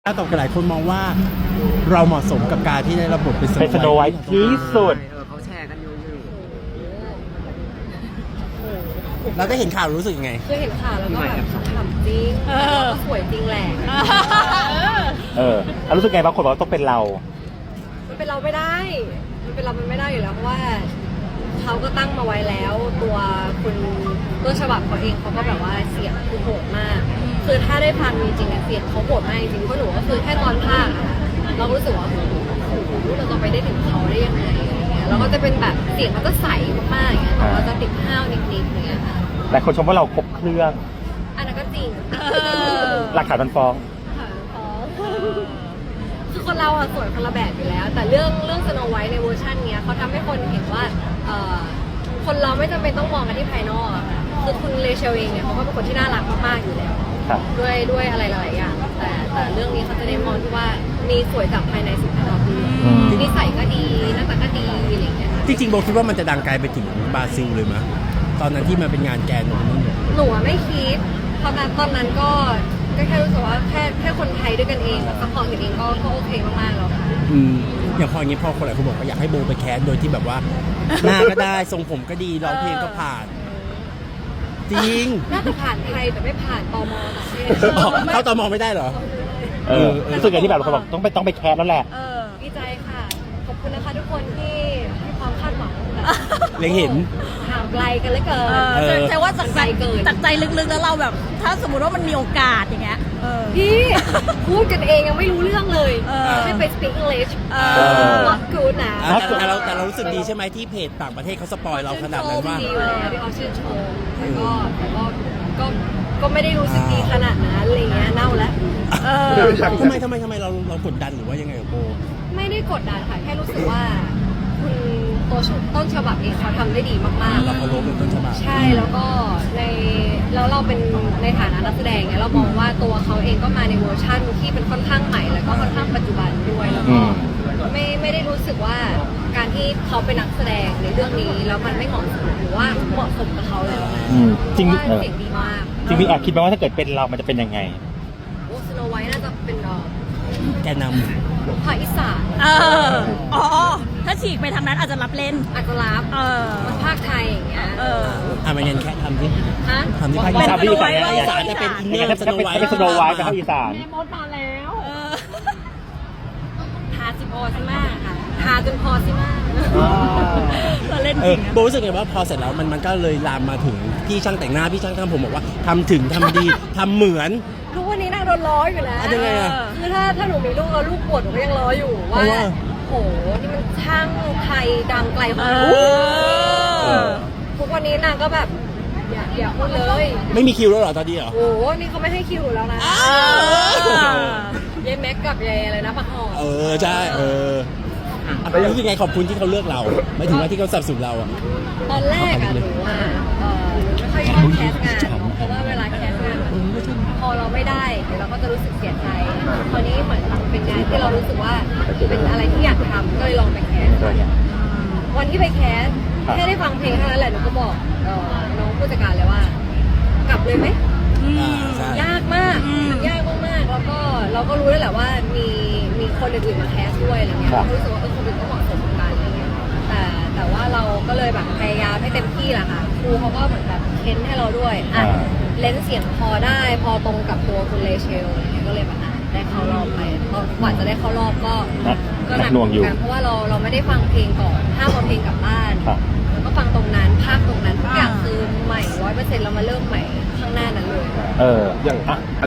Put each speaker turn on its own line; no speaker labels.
ต่อกันหลายคนมองว่าเราเหมาะสมกับการที่ได้รับบทเป็น
เป็นสโนไวท์ที่สุด
เขาแชร์กันอยู่
เราได้เห็นข่าวรู้สึกยังไง
คือเห็นข่าวแล้วก็แบบขำจริงแล้วก็สวยจริงแหละ
แล้วรู้สึกไงบางคนบอกว่าต้องเป็นเรา
มันเป็นเราไม่ได้ มันเป็นเรามันไม่ได้อยู่แล้วเพราะว่าเขาก็ตั้งมาไว้แล้ว ตัวคุณต้นฉบับเขาเองเขาก็แบบว่าเสียงคือโหดมาก คือถ้าได้ฟังจริงๆอะเสียงเขาโหดมากจริงๆเพราะหนูก็คือแค่ตอนภาคอะเรารู้สึกว่าโอ้โหเราจะไปได้ถึงเขาได้ยังไงอะไรเงี้ยแล้วก็จะเป็นแบบเสียงเขาจะใสมากๆอย่างเงี้ยแต่ว่าจะติดห้าวนิดๆอย่างเงี้ยค่ะ
แต่คนชมว่าเราครบเครื่อง
อันนั้นก็จริง
หลักฐานมันฟ้อง
คือคนเราอะสวยคนละแบบอยู่แล้ว แต่เรื่องสโนไวท์ในเวอร์ชันเนี้ยเขาทำให้คนเห็นว่าคนเราไม่จำเป็นต้องมองกันที่ภายนอกอะค่ะคือคุณเลเชลเองเนี่ยเขาก็เป็นคนที่น่ารักมากๆอยู่แล้ว
ครับ
ด้วยอะไรหลายๆอย่างแต่เรื่องนี้เขาจะได้มองที่ว่ามีสวยจากภายในสู่ภายนอกด้วยนิสัยก็ดีหน้าตาก็ดีอะไรอย่างเงี้ยค่ะ
จริงๆโบคิดว่ามันจะดังไกลไปถึงบราซิลเลยมั้ยตอนนั้นที่มันเป็นงานแกนนู่นนี่
หนูอะไม่คิดตอนนั้นก็แค่รู้สึกว่าแค่คนไทยด้วยกันเองซัพพอร์ตกันเองก็โอเคมากๆแล้วค่ะ
อย่างพออย่างนี้พอคนหลายคนบอกว่าอยากให้โบไปแคสโดยที่แบบว่า หน้าก็ได้ทรงผมก็ดีร้องเพลงก็ผ่าน จริง
น่าจะผ่านไทยแต่ไม่ผ่านตมต่างประเทศ
เข้าตมไม่ได้เหรอ
รู้สึกไงที่แบบเราบอกต้องไปแคสแล้วแหละ
ดีใจค่ะ ขอบคุณนะคะทุกคนที่ให้ความคาดหวังแบบ
เล็งเห็น
ห่างไกลกันเหลือเกิน
ใช่ว่าจากใจ
เกิน
จากใจลึกๆแล้วเราแบบ ถ้าสมมติว่ามันมีโอกาสอย่างเงี้ย
พี่พูดกันเองยังไม่รู้เรื่องเลย
อ
ให้ไป speak English not good นะ
แต่เรารู้สึกดีใช่ไหมที่เพจต่างประเทศเขาสปอยเราขนาดนั้นว่า
ดีอยู่แล้วที่เขาชื่นชมแต่ก็ไม่ได้รู้สึกดีขนาดนั้นอะไรเงี้ยเน่าแล้ว
ทำไมเรากดดันหรือว่ายังไงกับโบ
ไม่ได้กดดันค่ะแค่รู้สึกว่าคุณต้นฉบับเองเขาทำได้ดีมากๆ
เราเคารพเป็นต้นฉบับ
ใช่แล้วก็แล้วเราเป็นในฐานะนักแสดงเนี่ยเรามองว่าตัวเขาเองก็มาในเวอร์ชั่นที่เป็นค่อนข้างใหม่แล้วก็ค่อนข้างปัจจุบันด้วยแล้วก็ไม่ได้รู้สึกว่าการที่เขาเป็นนักแสดงในเรื่องนี้แล้วมันไม่เหมาะสมหรือว่าเหมาะสมกับเขาแล้วนะ
จริง
เพาะว่าเสียงดีมาก
จริงมีแอบคิดไหมว่าถ้าเกิดเป็นเรามันจะเป็นยังไง
โอ้สโนไวท์น่าจะเป็น
แกนน
ภาคอีสาน
อ๋อ ถ้าฉีกไปทางนั้นอาจจะรับเล่น
อัตลักษณ์มันภาคไทยอย่างเงี้ย
มันยันแค่ทำที่
ฮะ
ทำที่ภาค
เป็น
อี
สโนไวท์
อีสานจะเป็นอินเนอร์สโนไวท์
เป็นสโนไวท์ไปเข้าอีสาน
แม่มดมาแล้วทาสิพอสิมากค่ะทาจนพอสิมาก
เราเล่นจริงนะ
โบรู้สึกไงว่าพอเสร็จแล้วมันก็เลยลามมาถึงพี่ช่างแต่งหน้าพี่ช่างทำผมบอกว่าทำถึงทำดี ทำเหมือน
ทุกวันนี้นางโดนล้ออยู่นะ
ยังไงอะ
คือถ้าหนูมีลูกแล้วลูกปวดหนูก็ยังล้ออยู่ว่าโหนี่มันช่างไทยดังไกลของหนูทุกวันนี้นางก็แบบอย่าพูดเลย
ไม่มีคิวแล้วเหรอตอนนี้เหรอ
โอ้โหนี่เขาไม่ให้คิวหนูแล้วนะยายแม็กกับยายอะไรนะปักหอม
ใช่รู้สึกไงขอบคุณที่เขาเลือกเราไม่ถึงว่าที่เขาสนับสนุนเราอ่ะ
ตอนแรกอะหนูอะไม่ค่อยชอบแคสงานเพราะว่าเวลาแคสงานพอเราไม่ได้เดี๋ยวเราก็จะรู้สึกเสียใจคราวนี้เหมือนเป็นงานที่เรารู้สึกว่าเป็นอะไรที่อยากทำก็เลยลองไปแคสวันที่ไปแคสแค่ได้ฟังเพลงเท่านั้นแหละหนูก็บอกน้องผู้จัดการเลยว่ากลับเลยไหม
ใช่
ยากมากมันยากมากๆแล้วก็เราก็รู้แล้วแหละว่ามีคนอื่นๆมาแคสด้วยอะไรเงี้ยเราก็รู้สึกว่าคนอื่นก็เหมาะสมกับการอะไรเงี้ยแต่ว่าเราก็เลยแบบพยายามให้เต็มที่แหละค่ะครูเขาก็เหมือนแบบเค้นให้เราด้วยเลนส์เสียงพอได้พอตรงกับตัวคุณเลเชลอะไรเงี้ยก็เลยแบบได้เข้ารอบไปกว่าจะได้เข้ารอบก็หนัก
หน่วงอยู่
กันเพราะว่าเราไม่ได้ฟังเพลงก่อนห้ามเอาเพลงกลับบ้านแล้วก็ฟังตรงนั้นภาคตรงนั้นทุกอย่างคือใหม่100%เรามาเริ่มใหม่ข้างหน้านั้นเลย
อย่าง